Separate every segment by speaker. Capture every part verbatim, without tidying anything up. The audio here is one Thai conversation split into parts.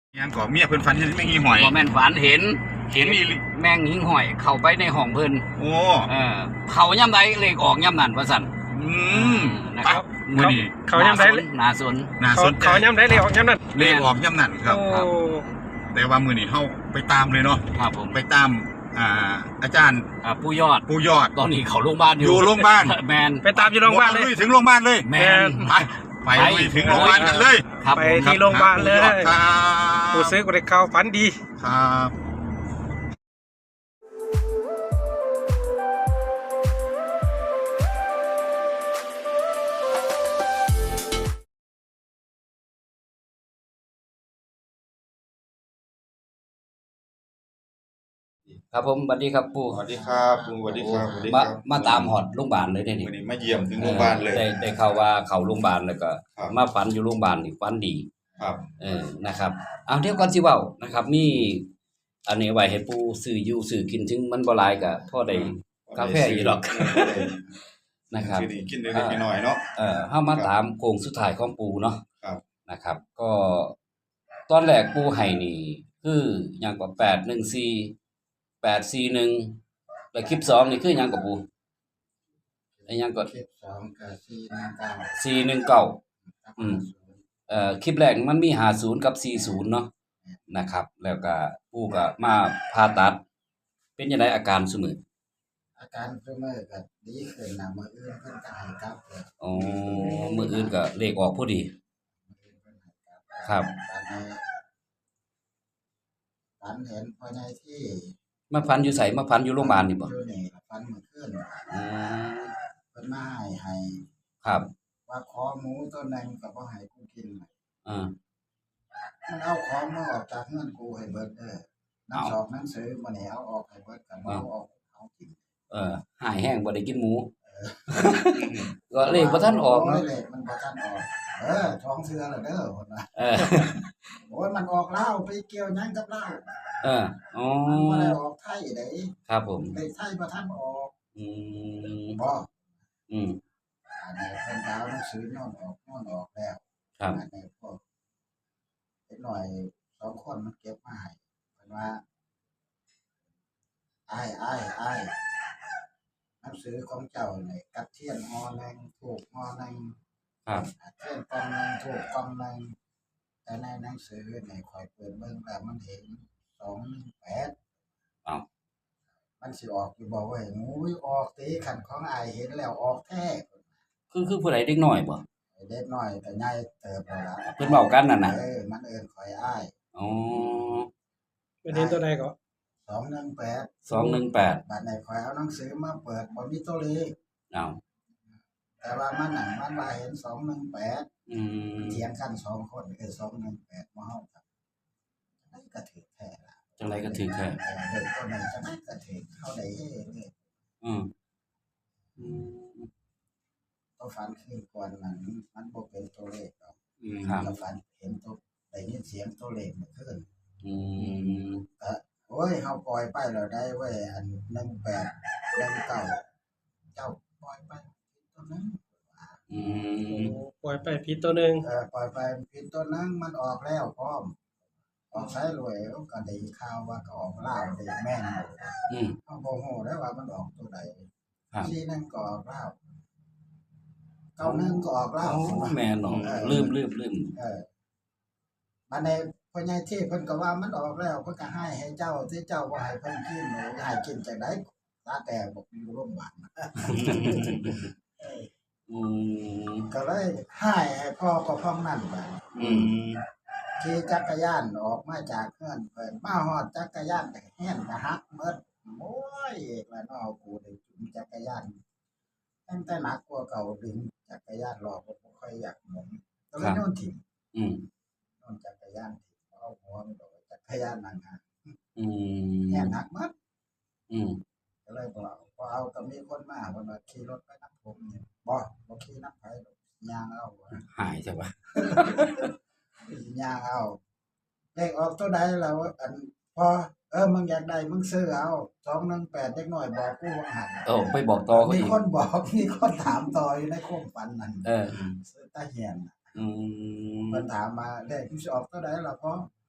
Speaker 1: ยังก่อเมียเพิ่นฝันเห็นแมงอีหอย
Speaker 2: บ่แม่นฝันเห็น
Speaker 1: เห็นอีหลี
Speaker 2: แมงหิ่งห้อยเข้าไปในห้องเพิ่น
Speaker 1: โอ้
Speaker 2: เออเขาย่ำใดเลขออกย่ำนั้นว่าซั่น
Speaker 1: อืม
Speaker 2: นะครับ
Speaker 1: มื้อนี้
Speaker 3: เขาย่ำได้
Speaker 2: น่าสน
Speaker 1: น่า
Speaker 3: เขา
Speaker 1: สนใจ
Speaker 3: เขาย่ำได้เลยออกย่ำนั่น
Speaker 1: เลขออกย่ำนั่นครับ
Speaker 3: โอ้
Speaker 2: ครับ
Speaker 1: แต่ว่ามื้อนี้เฮาไปตามเลยเนาะ
Speaker 2: ครับผม
Speaker 1: ไปตามอ่าอาจารย์
Speaker 2: อ่าผู้ยอด
Speaker 1: ปู่ยอด
Speaker 2: ตอนนี้เขาโรงพยาบาลอยู่
Speaker 1: อยู่โรงพยาบาล
Speaker 2: แมน
Speaker 3: ไปตามอยู่โรงพยาบาลเลย
Speaker 1: ลุถึงโรงพยาบาลเลย
Speaker 2: แมน
Speaker 1: ไปไปลุยถึงโรงพยาบาลกันเลย
Speaker 2: ครับ
Speaker 3: ไป
Speaker 2: ผม
Speaker 3: ที่โรงพยาบาลเลย
Speaker 1: ครับ
Speaker 3: ผู้ซื้อกูได้ข่าวฝันดี
Speaker 1: ครับ
Speaker 2: ครับผมสวัสดีครับปู่
Speaker 4: สวัสดีครับลุงสวัสดีครับสวัสดีค
Speaker 2: มา
Speaker 4: รับ
Speaker 2: มาตามหอดโรงพยาบาลเลยเด้นี่
Speaker 4: วันนี้มาเยี่ยมถึงโรงพยาบาลเลย
Speaker 2: ได้ได้ข่าวว่าเขาโรงพยาบาลแล้วก็
Speaker 4: ครับ
Speaker 2: มาฝันอยู่โรงพยาบาลนี่ฝันดี
Speaker 4: ครับ
Speaker 2: เออนะครับเอาเดี๋ยวก่อนสิเว้านะครับ มีอันนี้ไว้ให้ปู่ซื้ออยู่ซื้อกินถึงมันบ่หลายก็พอได้ กาแฟอยู่ดอก นะครับ
Speaker 4: กินกินได้นิดหน่อยเนาะ
Speaker 2: เอ่อเฮามาตามโค้งสุดท้ายของปู่เนาะ
Speaker 4: ครับ
Speaker 2: นะครับ ก็ตอนแรกปู่ให้นี่คือหยังกว่าแปดหนึ่งสี่ แปดสี่หนึ่งแล้วคลิปสองนี่คือหยังกับปู่ไอ้หยังก็
Speaker 5: คลิปสองกับสี่หนึ่งเก้า
Speaker 2: สี่หนึ่งเก้า อืม เอ่อคลิปแรกมันมีห้าสิบกับสี่สิบเนาะนะครับ แล้วก็ปู่ก็มาผ่าตัด เป็นจังไดอาการซุมื้อ
Speaker 5: อาการเพิ่มเมื่อก็ดีขึ้นนะมืออื่นเพิ่นก็ให้กลับเลย
Speaker 2: อ๋อมื้ออื่นก็เลขออกพอดี
Speaker 5: มืออื่นเพิ่นให้กลับ
Speaker 2: ครับ
Speaker 5: ตอนนี้ฝันเห็นพ่อใหญ่ที่
Speaker 2: มาพันอยู่ไสมาพันอยู่โรงพยาบาลนี่บ่
Speaker 5: อยู่นี่ฝันเมื่อคืน
Speaker 2: อืม
Speaker 5: เพิ่นมาให้ให้
Speaker 2: ครับ
Speaker 5: ว่าขอหมูตัวหนึงก็บ่ให้กูกิน
Speaker 2: อ่า
Speaker 5: มันเอาของมาออกจากเงินกูให้เบิดเด้อหนัง
Speaker 2: เอา
Speaker 5: สอบหนังสือมานี่เอาออกให้เบิดก็บ่เอาออกเอากิน
Speaker 2: เออหายแห้งบ่ได้กินหมู ก็เลขบ่ทันออก
Speaker 5: โอ้
Speaker 2: เนาะ
Speaker 5: ยเลขมันบ่ทันออกเออท้องเสือแล้วเด้อพุ่นว่า
Speaker 2: เออ
Speaker 5: โอ้ยมันออกลาวไปเกี่ยวหยังกับลาว
Speaker 2: เอออ๋อ
Speaker 5: มันบ่ได้ออกไทยเด้
Speaker 2: ครับผม
Speaker 5: เลขไทยบ่ทันออก
Speaker 2: อืม
Speaker 5: บ่
Speaker 2: อืม
Speaker 5: อันนี้เพิ่นก็เอาหนังสือนอนออกนอนออกแล้ว
Speaker 2: ครับ
Speaker 5: อันนี้พวกเด็กน้อยสองคนมันเก็บมาให้เพิ่นว่าอ้ายอ้ายอ้ายหนังสือของเจ้านี่กับเทียนหอหนึงถูกหอหนึง
Speaker 2: ครับ
Speaker 5: เทียนกองหนึงถูกกองหนึงแต่ในหนังสือนี่ข่อยเปิดเบิ่งแล้วมันเห็นสองหนึ่งแปด
Speaker 2: อ้าว
Speaker 5: มันสิออกอยู่บ่เว้ยงูยออกติคันของอ้ายเห็นแล้วออกแท้
Speaker 2: คือคือผู้ใดเด็กน้อยบ่
Speaker 5: ไอ้เด็กน้อยก็ใหญ่เติบแล้วล่ะ
Speaker 2: เพิ่นเว้ากันนั่นน่ะ
Speaker 5: เออมันเอิ้นข่อยอ้าย
Speaker 2: อ๋อ
Speaker 3: เป็นเห็นตัวใดก็
Speaker 5: สองหนึ่งแปด
Speaker 2: สองหนึ่งแปด
Speaker 5: บัดนี้ข่อยเอาหนังสือมาเปิดบ่มีตัวเลข
Speaker 2: อ้าว
Speaker 5: แต่ว่ามันน่ะมันว่าเห็นสองหนึ่งแปด
Speaker 2: อืม
Speaker 5: เถียงกันสองคนเออสองหนึ่งแปดบ่เฮาครับจังไดก็ถือแท้ล่ะ
Speaker 2: จังไดก็ถือแท้
Speaker 5: เออเด็กตัวนั้นจังไดก็ถือเฮาได้เฮ้เลย
Speaker 2: อืมอืม
Speaker 5: ตัวฝันคืนก่อนนั้นมันบ่เป็นตัวเลขดอก
Speaker 4: อืม
Speaker 2: ครับ
Speaker 5: ตัวฝันเห็นตัวได้ยินเสียงตัวเลขเมื่อคืน
Speaker 2: อืม
Speaker 5: ก็โอ้ยเฮาปล่อยไปแล้วได้เว้ยอันหนึ่งแปดหนึ่งเก้าเจ้าปล่อยไปตัวนั้น
Speaker 2: อื
Speaker 3: โอ้
Speaker 2: ม
Speaker 3: ปล่อยไปผิดตัวหนึง
Speaker 5: เออปล่อยไปผิดตัวนั้นมันออกแล้วพร้อมออกสายรวยก็ได้ข่าวว่าก็ออกลาวได้แม่นอยู่
Speaker 2: อืม
Speaker 5: เฮาบ่ฮู้ได้ว่ามันออกตัวใด
Speaker 2: ครับ
Speaker 5: ที่นั่นก็ออกลาวเก้าหนึ่งก็ออกลาว
Speaker 2: โอ้แม่นเนาะลืมลืมลืม
Speaker 5: เออบัดนี้พ่อใหญ่ที่เพิ่นก็ว่ามันออกแล้วเพิ่นก็ให้ให้เจ้าที่เจ้าบ่ให้เพิ่นกินหนูให้กินจังได๋ตาแต่บอกอยู่โรงพยาบาล
Speaker 2: อืม
Speaker 5: ก็เลยให้ให้พ่อก็พ้องนั่นไป
Speaker 2: อืม
Speaker 5: ขี่จักรยานออกมาจากเฮือนเพิ่นมาฮอดจักรยานก็แฮ่นก็หักหมดโอ้ยแล้วเนาะกูได้จุ่มจักรยานตั้งแต่หนักกว่าเก่าดึงจักรยานรอบ่ค่อยอยากหมุนก็เลยโน่นถิ่ม
Speaker 2: อืม
Speaker 5: โน่นจักรยานถิ่มเอาหัวมันโดดจักรยานนั่งหา
Speaker 2: อืม
Speaker 5: แฮ่นหักหมด
Speaker 2: อืม
Speaker 5: ก็เลยบ่เอาพอเอาก็มีคนมาเพิ่นว่าขี่รถไปนำผมนี่บ่บ่ขี่นำไผดอกย่างเอาว่า
Speaker 2: หายใช่ปะ
Speaker 5: ย่างเอาเลขออกตัวใดแล้วอันพอเออมึงอยากได้มึงซื้อเอาสองหนึ่งแปดเด็กน้อยบอกกูว่าหัน
Speaker 2: โอ้ไปบอกต่อเขา
Speaker 5: มี
Speaker 2: อีก
Speaker 5: คนบอกมีคนถามต่ออยู่ในโคมฝันนั่น
Speaker 2: เออ
Speaker 5: ซื้อตาเหียนน่ะ
Speaker 2: อืม
Speaker 5: เพิ่นถามมาเลขที่สิออกตัวใดล่ะพ่อ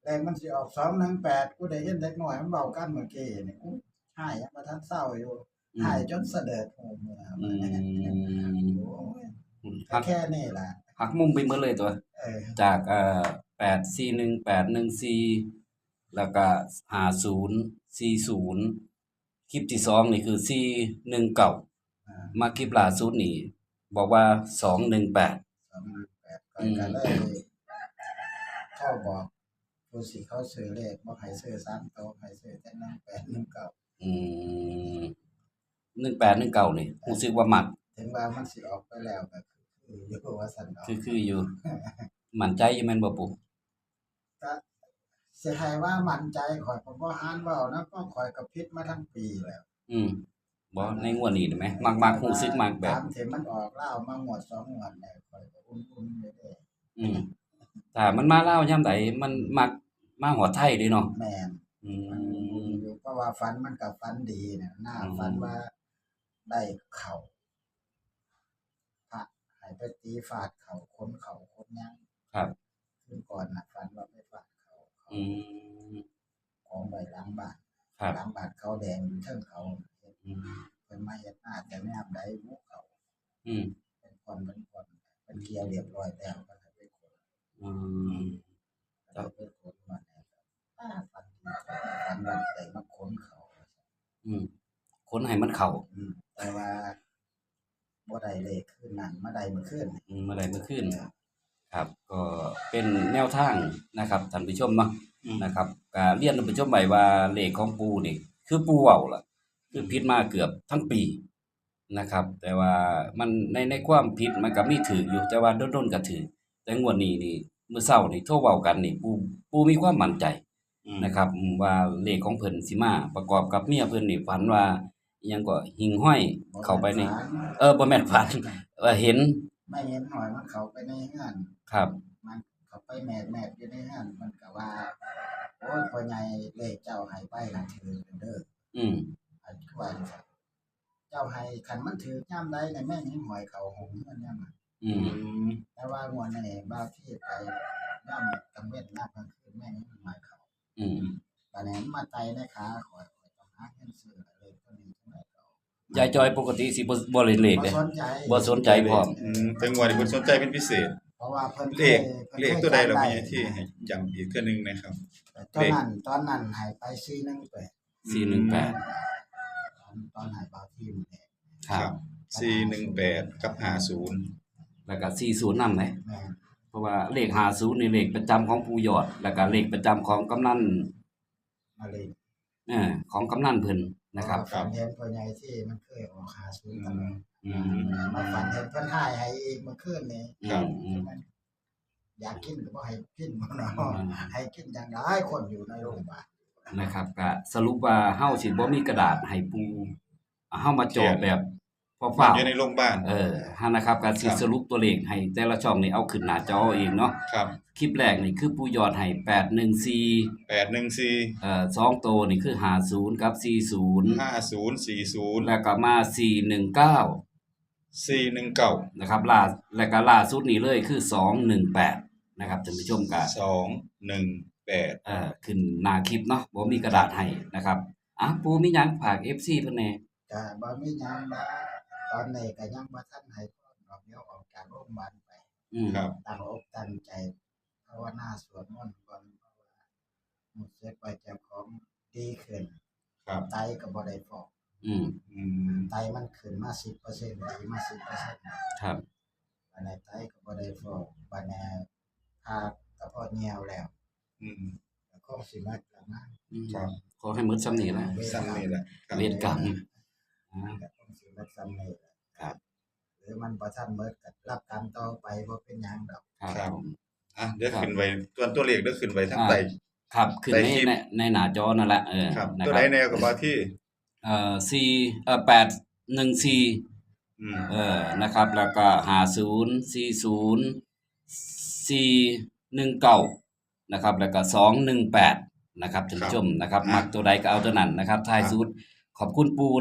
Speaker 5: แรงมันสิออกสองหนึ่งแปดกูได้ยินเด็กน้อยมันเว้ากันเมื่อกี้นี่กูหายยังบ่ทันเศร้าอยู่หายจนเสด็จหูเมื่อ
Speaker 2: อืม
Speaker 5: โอ้ย
Speaker 2: หัก
Speaker 5: แค่นี้ล่ะ
Speaker 2: หักมุมไปหมดเลยตัว
Speaker 5: เออ
Speaker 2: จากเอ่อแปดสี่หนึ่ง แปดหนึ่งสี่แล้วก็ห้าศูนย์ สี่ศูนย์คลิปที่สองนี่คือสี่หนึ่งเก้า
Speaker 5: อ่า
Speaker 2: มาคลิปล่าสุดนี่บอกว่าสองหนึ่งแปด
Speaker 5: สองหนึ่งแปดก็ก็เลยเข้าบอกผู้สิเขาซื้อเลขบ่ให้ซื้อสามตัวให้ซื้อแต่หนึ่งแปดหนึ่งเก้า
Speaker 2: อืมหนึ่งแปดหนึ่งเก้านี่รู้สึกว่ามัก
Speaker 5: ถึงว่ามันสิออกไปแล้วก็คืออยู่ว่าซั่นเนาะ
Speaker 2: คือคืออยู่ มั่นใจอยู่แม่นบ่ปู่
Speaker 5: ก็สิให้ว่ามั่นใจข่อยก็บ่หานเว้านะก็ข่อยก็ผิดมาทั้งปีแล้ว
Speaker 2: อืมบ่ในงวดนี้ได้ไหมมักมักรู้สึกมักแบบ
Speaker 5: ตามที่มันออกลาวมางวดสองงวดแล้วข่อยก็อุ่นๆอยู่เด้
Speaker 2: อืมถ้ามันมาลาวยามใดมันมักมาฮอดไทยเด้เนาะ
Speaker 5: แม่น
Speaker 2: อื
Speaker 5: มันอุ่น
Speaker 2: ม
Speaker 5: อยู่เพราะว่าฝันมันก็ฝันดีน่ะหน้า
Speaker 2: อืม
Speaker 5: ฝันว่าได้เข้าพระให้ไปตีฟาดเข้าคนเข้าคนหยัง
Speaker 2: ครับ
Speaker 5: คืนก่อนน่ะฝันว่าไปฟาดเข้าเขา
Speaker 2: อืม
Speaker 5: ของไว้หลังบ้าน
Speaker 2: ครับ
Speaker 5: หลังบ้านเขาแดงอยู่เทิงเขาเฮ็ด
Speaker 2: อืม
Speaker 5: เพิ่นมาเฮ็ดหน้าแต่แนมใดหมู่เขา
Speaker 2: อืม
Speaker 5: เป็นคนเป็นคนเป็นเกียร์เรียบร้อยแล้วก็ให้ไปขน
Speaker 2: อืม
Speaker 5: เราไปขนมาเนี่ยป้าฝันดีฝันว่าได้มาขนเขา
Speaker 2: อืมคนให้มันเข้า
Speaker 5: อืมแต่ว่าบ่ได้เลขคืนนั้นมาได้เมื่อคืน
Speaker 2: อืมเมื่อใดเมื่อคืนครับ ก็เป็นแนวทางนะครับท่านผู้ชมเนาะนะครับก็เรียนท่านผู้ชมไว้ว่าเลขของปู่นี่คือปู่เว้าล่ะ คือผิดมาเกือบทั้งปีนะครับ แต่ว่ามันในในความผิดมันก็มีถูกอยู่แต่ว่าโดนๆก็ถูกแต่งวดนี้นี่มื้อเช้านี่โทรเว้ากันนี่ปู่ปู่มีความมั่นใจ นะครับอืมว่าเลขของเพิ่นสิมาประกอบกับเมียเพิ่นนี่ฝันว่าอิหยังก็หิ่งห้อยเข้าไปใน
Speaker 5: บ่แม่นฝัน
Speaker 2: เออบ่แม่นฝันเออเห็น
Speaker 5: ไม่เห็นหอยมันเข้าไปในงาน
Speaker 2: ครับ
Speaker 5: มันเข้าไปแมดแมดอยู่ในงานมันก็ว่าโอ้ยพ่อใหญ่เลขเจ้าให้ไปล่ะถือเด้อ
Speaker 2: อืม
Speaker 5: อันคือว่าจังซั่นเจ้าให้คันมันถือยามใดเนี่ยแม่นเห็นหอยเข้าหงเงินยามนั้น
Speaker 2: อืม
Speaker 5: แต่ว่างวดนี้บางที่ไปย่ำกลางเว้นยามกลางคืนแม่นี่มันหมายเขา
Speaker 2: อืม
Speaker 5: ตอนนี้มันมาไตในขาข่อยข่อยต้องหาเงินซื้อเลยตัวนี้จังได๋ก็
Speaker 2: ยายจอยปกติสิบ่บ่เล่นเลข
Speaker 5: บ่
Speaker 2: เด้
Speaker 5: สนใจ
Speaker 2: บ่สนใจพร้อม
Speaker 4: อืมแต่งวดนี้เพิ่นสนใจเป็นพิเศษ
Speaker 5: เพราะว่าเพิ่น
Speaker 4: เลข
Speaker 5: พิ่น
Speaker 4: เลข
Speaker 5: คย
Speaker 4: ตัวใดเรา
Speaker 5: จำ
Speaker 4: มีที่ให้ย้ำอีกเทื่อหนึงนะครับ
Speaker 5: ตอนนั้นตอนนั้นให้ไปสี่หนึ่งแปด
Speaker 2: สี่หนึ่งแปด
Speaker 5: ตอนตอนให้บางที่มันแหละ
Speaker 2: ครับ
Speaker 4: สี่หนึ่งแปดกับห้าศูนย์
Speaker 2: แล้วก็สี่สิบนำเลย
Speaker 5: แม่น
Speaker 2: เพราะว่าเลขห้าสิบนี่เลขประจำของปู่ยอด แล้วก็เลขประจำของกำนัน
Speaker 5: มาเลย
Speaker 2: เออของกำนันเพิ่นนะครับ
Speaker 5: เพาว่าฝันเห็นพ่อใหญ่ที่มันเคยออกหาศูนย์ตลอด
Speaker 2: อืม
Speaker 5: มาฝันเห็นเพิ่นให้ให้อีกเมื่อคืนนี้
Speaker 2: อืมอืม
Speaker 5: อยากกินก็บ่ให้กินบ่เนาะให้กินจังได๋คนอยู่ในโรงพยาบาล
Speaker 2: นะครับก็สรุปว่าเฮาสิบ่มีกระดาษให้ปู่เฮามาจดแบบพอฟ้าว
Speaker 4: อยู่ในโรงพยาบาล
Speaker 2: เออฮะนะครับการสิ
Speaker 4: ครับ
Speaker 2: สรุปตัวเลขให้แต่ละช่องนี่เอาขึ้นหน้าจอเอาเองเนาะ
Speaker 4: ครับ
Speaker 2: คลิปแรกนี่คือปูยอดให้แปดหนึ่งสี่
Speaker 4: แปดหนึ่งสี่
Speaker 2: เอ่อสองตัวนี่คือห้าสิบกับสี่สิบ
Speaker 4: ห้าศูนย์สี่ศูนย์
Speaker 2: แล้วก็มาสี่หนึ่งเก้า
Speaker 4: สี่หนึ่งเก้า
Speaker 2: นะครับล่าแล้วก็ล่าสุดนี่เลยคือสองหนึ่งแปดนะครับท่านผู้ชมก็
Speaker 4: สองหนึ่งแปด
Speaker 2: เอ่อขึ้นหน้าคลิปเนาะบ่มีกระดาษให้นะครับอ่ะปูมีหยังฝาก เอฟ ซี เพิ่นแหน่
Speaker 5: ก็บ่มีหยังนะตอนนี้ก็ยังบ่ทันให้พรดอกเดียวออกจากโรงพยาบาลไป
Speaker 2: อืม
Speaker 4: ครับ
Speaker 5: ตั้งอกตั้งใจภาวนาสวดมนต์ก่อนเพราะว่ารู้สึกว่าเจ้าของดีขึ้น
Speaker 4: ครับ
Speaker 5: ไตก็บ่ได้ฟอก
Speaker 2: อืม
Speaker 4: อืม
Speaker 5: ไตมันขึ้นมา สิบเปอร์เซ็นต์ ดีมา สิบเปอร์เซ็นต์
Speaker 2: ครับ
Speaker 5: อันนี้ไตก็บ่ได้ฟอกบัดนี้พากระเพาะเหี่ยวแล้ว
Speaker 4: อืม
Speaker 5: ก็คงสิมาแล้วนะ
Speaker 2: อืม
Speaker 4: ครับ
Speaker 2: ขอให้หมดซ้ำนี้นะ
Speaker 4: ซ้ำนี่แหละครับ
Speaker 2: เวรกรรมอ่า
Speaker 5: ก็คงสิมาซ้ำนี่แหละ
Speaker 2: ครับ
Speaker 5: หรือมันบ่ทันหมดก็รับกรรมต่อไปบ่เป็นหยังดอก
Speaker 2: ครับ
Speaker 4: ครับ
Speaker 2: ผม
Speaker 4: อ่ะเดี๋ยวขึ้นไว้ตัวตัวเลขเดี๋ยวขึ้นไว้ทั้ง
Speaker 2: อ่า
Speaker 4: ใต้
Speaker 2: ครับขึ้น
Speaker 4: ใน
Speaker 2: ใน
Speaker 4: คลิป
Speaker 2: ในในหน้าจอนั่นแหละเออ
Speaker 4: ครับ
Speaker 2: นะ
Speaker 4: ตัว
Speaker 2: ค
Speaker 4: ใด
Speaker 2: รับ
Speaker 4: แนวกับว่าที่
Speaker 2: เอ่อสี่เอ่อแปดหนึ่งสี่
Speaker 4: อืม
Speaker 2: เออนะครับ แล้วก็ห้าศูนย์สี่ศูนย์สี่หนึ่งเก้านะครับ แล้วก็สองหนึ่งแปดนะครับท่านผู้ชมนะครับ มักตัวใดก็เอาตัวนั้นนะครับท้ายสุดขอบคุณปูเนาะ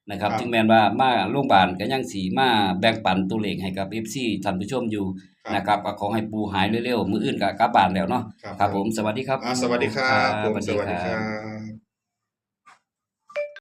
Speaker 2: นะครับ
Speaker 4: ครับ
Speaker 2: ถึงแม้นว่ามาโรงพยาบาลก็ยังสิมาแบ่งปันตัวเลขให้กับ เอฟ ซี ท่านผู้ชมอยู่
Speaker 4: ครับ
Speaker 2: นะครับก็ขอให้ปู่หายเร็วๆมื้ออื่นก็กลับบ้านแล้วเนาะ
Speaker 4: ครับ
Speaker 2: ครับผมสวัสดีครับ
Speaker 4: อ่าสวัสดีครับ
Speaker 2: ค
Speaker 4: ผม
Speaker 2: รับ
Speaker 4: สวัสดีครับ